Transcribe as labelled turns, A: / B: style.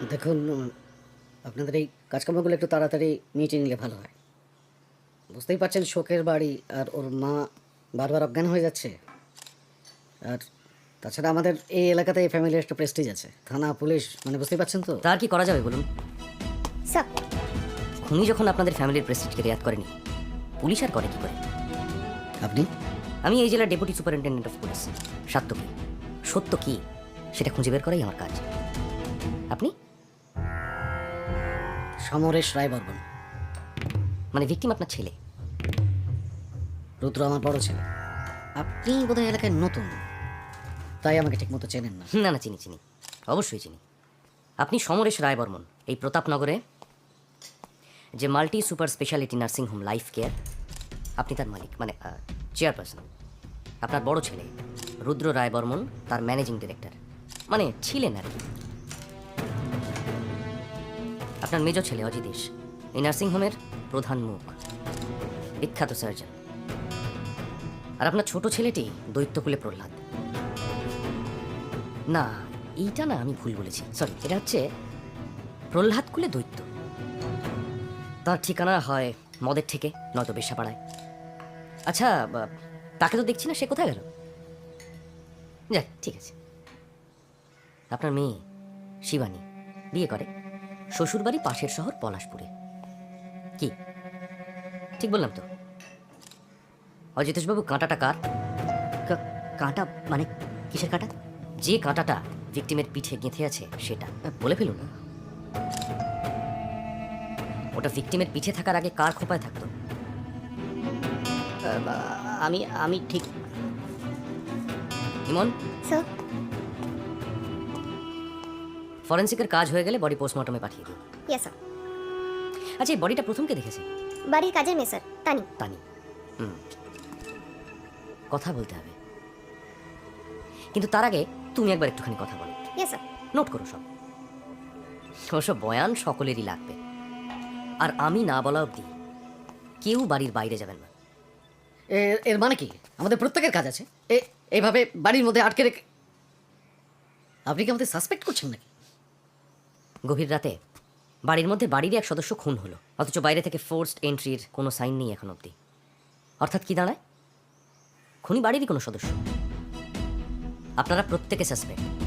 A: দেখুন, আপনাদের এই কাজকর্মগুলো একটু তাড়াতাড়ি মিটিয়ে নিলে ভালো হয়। বুঝতেই পারছেন শোকের বাড়ি, আর ওর মা বারবার অজ্ঞান হয়ে যাচ্ছে। আর তাছাড়া আমাদের এই এলাকাতে এই ফ্যামিলির একটা প্রেস্টিজ আছে, থানা পুলিশ, মানে বুঝতেই পারছেন তো।
B: তার কি করা যাবে বলুন?
C: স্যার,
B: খুনি যখন আপনাদের ফ্যামিলির প্রেস্টিজকে রেয়াত করেনি, পুলিশ আর করে কি করে?
A: আপনি
B: আমি এই জেলার ডেপুটি সুপারিনটেন্ডেন্ট অফ পুলিশ। সত্য কি সেটা খুঁজে বের করাই আমার কাজ। আপনি
A: সমরেশ রায়বর্মন,
B: মানে ভিকটিম আপনার ছেলে?
A: রুদ্র আমার বড় ছেলে। আপনি বোধহয় এলাকায় নতুন, তাই আমাকে ঠিকমতো চেনেন না।
B: না না, চিনি চিনি, অবশ্যই চিনি। আপনি সমরেশ রায়বর্মন, এই প্রতাপনগরে যে multi super speciality nursing home life care, আপনি তার মালিক, মানে চেয়ারপারসন। আপনার বড় ছেলে রুদ্র রায়বর্মন তার ম্যানেজিং ডিরেক্টর, মানে ছিলেন আর কি। আপনার মেজ ছেলে অজিতেশ এই নার্সিংহোমের প্রধান মুখ, বিখ্যাত সার্জন। আর আপনার ছোট ছেলেটি দৈত্যকুলে প্রহ্লাদ। না, এইটা না, আমি ভুল বলেছি, সরি। এটা হচ্ছে প্রহ্লাদ কুলে দৈত্য। তার ঠিকানা হয় মদের থেকে, নয়তো বেশ্যাপাড়ায়। আচ্ছা, তাকে তো দেখছি না, সে কোথায় গেল? যাক, ঠিক আছে। আপনার মেয়ে শিবানী বিয়ে করে শ্বশুরবাড়ি পাশের শহর পলাশপুরে। কি ঠিক বললাম তো? অজিতেশবাবু, কাঁটাটা কার? কাঁটা মানে কিসের কাঁটা? যে কাঁটাটা ভিকটিমের পিঠে গেঁথে আছে সেটা বলে ফেলুন। ওটা ভিকটিমের পিঠে থাকার আগে কার খোপায় থাকতো?
C: আমি আমি ঠিক।
B: ইমন,
C: স্যার,
B: ফরেন্সিকের কাজ হয়ে গেলে বডি পোস্টমর্টমে পাঠিয়ে দিই।
C: Yes sir.
B: আচ্ছা, এই বডিটা প্রথম কে দেখেছে?
C: বাড়ির কাজের মেয়ে স্যার, তানি।
B: তানি। কথা বলতে হবে, কিন্তু তার আগে তুমি একবার একটুখানি কথা বলো।
C: Yes sir.
B: নোট করো সব। ওসব বয়ান সকলেরই লাগবে, আর আমি না বলা অবধি কেউ বাড়ির বাইরে যাবেন না।
A: এর মানে কি? আমাদের প্রত্যেকের কাজ আছে, এইভাবে বাড়ির মধ্যে আটকে রেখে? আপনি কি আমাদের সাসপেক্ট করছেন নাকি?
B: গভীর রাতে বাড়ির মধ্যে বাড়িরই এক সদস্য খুন হলো, অথচ বাইরে থেকে ফোর্সড এন্ট্রির কোনো সাইন নেই এখন অবধি। অর্থাৎ কি দাঁড়ায়? খুনি বাড়িরই কোনো সদস্য। আপনারা প্রত্যেকে সাসপেক্ট।